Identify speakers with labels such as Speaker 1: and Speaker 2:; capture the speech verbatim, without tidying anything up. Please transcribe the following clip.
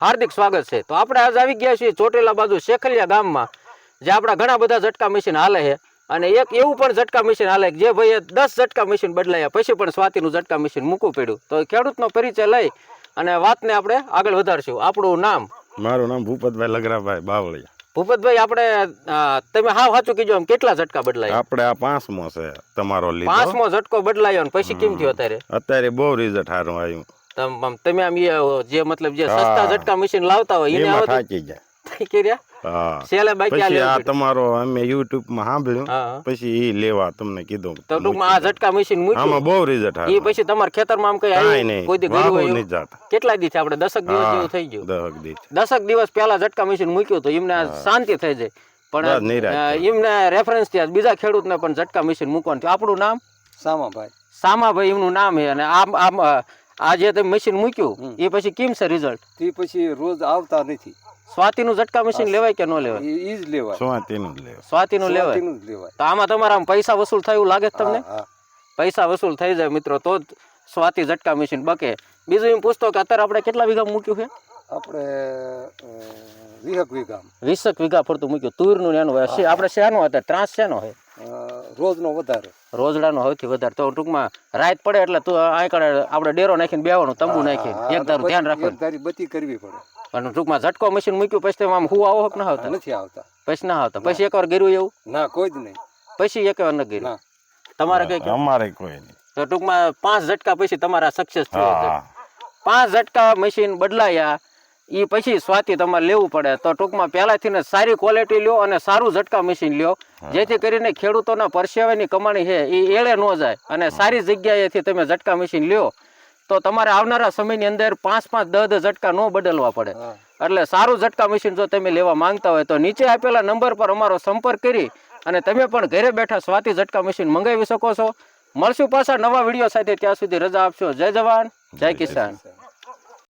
Speaker 1: હાર્દિક સ્વાગત છે। તો આપણે આજ આવી ગયા છીએ ચોટીલા બાજુ શેખલિયા ગામમાં, જે આપણા ઘણા બધા ઝટકા મશીન હાલે છે અને એક એવું પણ ઝટકા મશીન હાલે જે ભાઈએ દસ ઝટકા મશીન બદલાયા પછી પણ સ્વાતિનું ઝટકા મશીન મૂકવું પડ્યું। તો ખેડૂતનો પરિચય લઈ અને વાતને આપણે આગળ વધારશું। આપણું નામ?
Speaker 2: મારું નામ ભૂપતભાઈ લગરાભાઈ બાવળિયા।
Speaker 1: ભૂપતભાઈ, આપણે તમે હાવ સાચું કીધું, આમ કેટલા ઝટકા બદલાયા?
Speaker 2: આપણે આ પાંચમો છે તમારો લીધો।
Speaker 1: પાંચમો ઝટકો બદલાયો ને પછી કેમ થયો અત્યારે?
Speaker 2: અત્યારે બહુ રિઝલ્ટ સારું આવ્યું।
Speaker 1: તમ તમે આમ જે મતલબ જે સસ્તા ઝટકા મશીન લાવતા હોય એને
Speaker 2: એમાં
Speaker 1: આવતું
Speaker 2: થાકી જાય।
Speaker 1: કર્યા
Speaker 2: હા,
Speaker 1: સેલે બાકી આ
Speaker 2: પછી આ
Speaker 1: લેવું પડ્યું।
Speaker 2: તમારો અમે યુટ્યુબ માં
Speaker 1: હા,
Speaker 2: સાંભળ્યું,
Speaker 1: હા।
Speaker 2: પછી ઈ લેવા તમને કીધું।
Speaker 1: તો ટૂંકમાં આ ઝટકા મશીન મૂક્યું,
Speaker 2: આમાં બહુ રિઝલ્ટ
Speaker 1: એ
Speaker 2: સારું।
Speaker 1: પછી તમારા ખેતરમાં આમ કઈ
Speaker 2: કાંઈ
Speaker 1: આવ્યું?
Speaker 2: નહીં,
Speaker 1: કોઈ દી ગયું
Speaker 2: વાહુ
Speaker 1: હોય
Speaker 2: નહીં
Speaker 1: એવું?
Speaker 2: જાતા।
Speaker 1: કેટલા દી આપણે દસક દિવસ
Speaker 2: હા,
Speaker 1: જેવું થઈ ગયું?
Speaker 2: દહક દી છે।
Speaker 1: દસક દિવસ પહેલા ઝટકા મશીન મૂક્યું તો એમને શાંતિ થઈ જાય,
Speaker 2: બસ
Speaker 1: પણ
Speaker 2: નિરાશ
Speaker 1: અ,
Speaker 2: થઈ.
Speaker 1: એમને રેફરન્સ થી બીજા ખેડૂતને પણ ઝટકા મશીન મૂકવાનું થયું। આપણું નામ?
Speaker 3: સામાભાઈ
Speaker 1: સામાભાઈ એમનું નામ છે। અને આમ આમ અ, આ જે તમે મશીન મૂક્યું એ પછી કેમ છે રિઝલ્ટ?
Speaker 3: તે પછી રોજ આવતા નથી,
Speaker 1: સ્વાતિનું ઝટકા મશીન લેવાય કે ન લેવાય?
Speaker 3: ઈ જ લેવાય,
Speaker 2: સ્વાતિનું જ લેવા।
Speaker 1: સ્વાતિનું લેવાય।
Speaker 3: સ્વાતિનું જ લેવાય।
Speaker 1: તો આમાં તમારા આમ પૈસા વસૂલ થાય એવું લાગે છે તમને?
Speaker 3: હા, હા।
Speaker 1: પૈસા વસૂલ થઈ જાય મિત્રો તો જ સ્વાતિ ઝટકા મશીન બકે। બીજું એમ પૂછતો કે અત્યારે આપણે કેટલા વીઘા મૂક્યું છે?
Speaker 3: આપણે વીહક વીઘા
Speaker 1: વીસક વીઘા ફરતું મૂક્યું। તુરનું એનું હોય છે આપણે શેનો હતા ત્રાસ શેનો હોય?
Speaker 3: રોજનો વધારે,
Speaker 1: રોજડાનો સૌથી વધારે। તો ટૂંકમાં રાત પડે એટલે તું આંકડે આપણે ડેરો નાખીને બેવાનું, તંબુ નાખીને એક ધારું ધ્યાન રાખવાનું,
Speaker 3: એક ધારી બત્તી કરવી પડે,
Speaker 1: પણ ટૂંકમાં ઝટકો મશીન મૂક્યું પછી તમે આમ હું આવો કે ના આવતા?
Speaker 3: નથી આવતા,
Speaker 1: પછી ના આવતા? પછી એકવાર ગીર્યું એવું?
Speaker 3: ના કોઈ જ નહીં,
Speaker 1: પછી એક વાર ન ગીર્યું?
Speaker 3: ના।
Speaker 1: તમારે કઈ કેવું?
Speaker 2: અમારે કોઈ નહીં।
Speaker 1: તો ટૂંકમાં પાંચ ઝટકા પછી તમારા સક્સેસ થયો છે।
Speaker 2: હા,
Speaker 1: પાંચ ઝટકા મશીન બદલાયા એ પછી સ્વાતિ તમારે લેવું પડે। તો ટૂંકમાં પહેલાથી ને સારી ક્વોલિટી લ્યો અને સારું ઝટકા મશીન લ્યો, જેથી કરીને ખેડૂતોના પરસેવાની કમાણી છે એ એળે ન જાય અને સારી જગ્યાએથી તમે ઝટકા મશીન લ્યો તો તમારે આવનારા સમયની અંદર પાંચ પાંચ દસ દસ ઝટકા ન બદલવા પડે। એટલે સારું ઝટકા મશીન જો તમે લેવા માંગતા હોય તો નીચે આપેલા નંબર પર અમારો સંપર્ક કરી અને તમે પણ ઘરે બેઠા સ્વાતિ ઝટકા મશીન મંગાવી શકો છો। મળશું પાછા નવા વિડીયો સાથે, ત્યાં સુધી રજા આપશો। જય જવાન, જય કિસાન।